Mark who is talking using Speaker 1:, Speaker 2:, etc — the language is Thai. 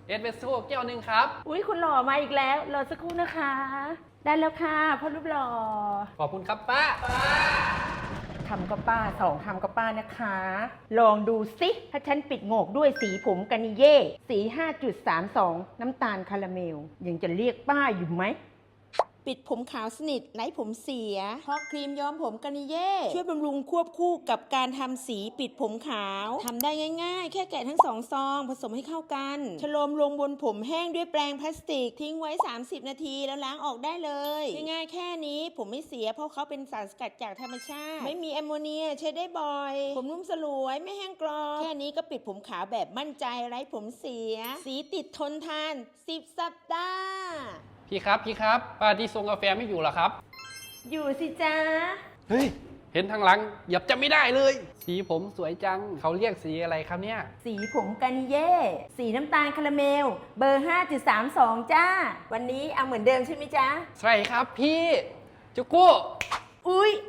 Speaker 1: เอสเปรสโซ่แก้วหนึ่งครับ
Speaker 2: อุ๊ยคุณหล่อมาอีกแล้วรอสักครู่นะคะ ได้แล้วค่ะพ่อรูปหล่อ
Speaker 1: ขอบคุณครับป้า
Speaker 2: คำก็ป้า2คำก็ป้านะคะ ลองดูสิถ้าฉันปิดโงกด้วยสีผมกานิเย่สี 5.32 น้ำตาลคาราเมลยังจะเรียกป้าอยู่ไหม ปิดผมขาวสนิทไร้ผมเสียเพราะครีมย้อมผมกานิเย่ช่วยบำรุงควบคู่กับการทำสีปิดผมขาวทำได้ง่ายๆ แค่แกะทั้ง2ซองผสมให้เข้ากันชโลมลงบนผมแห้งด้วยแปรงพลาสติกทิ้งไว้30นาทีแล้วล้างออกได้เลยง่ายๆแค่นี้ผมไม่เสียเพราะเขาเป็นสารสกัดจากธรรมชาติไม่มีแอมโมเนียใช้ได้บ่อยผมนุ่มสลวยไม่แห้งกรอบแค่นี้ก็ปิดผมขาวแบบมั่นใจไร้ผมเสียสีติดทนทาน10สัปดาห์
Speaker 1: พี่ครับป้าที่ส่งกาแฟไม่อยู่เหรอครับ
Speaker 2: อยู่สิจ๊ะ
Speaker 1: เฮ้ยเห็นทางหลังเหยียบจะไม่ได้เลย สีผมสวยจังเขาเรียกสีอะไรครับเนี่ย
Speaker 2: สีผมกานิเย่สีน้ำตาลคาราเมลเบอร์ 5.32 จ้า วันนี้เอาเหมือนเดิมใช่ไหมจ๊ะ
Speaker 1: ใช่ครับพี่จุกุ
Speaker 2: อุ๊ย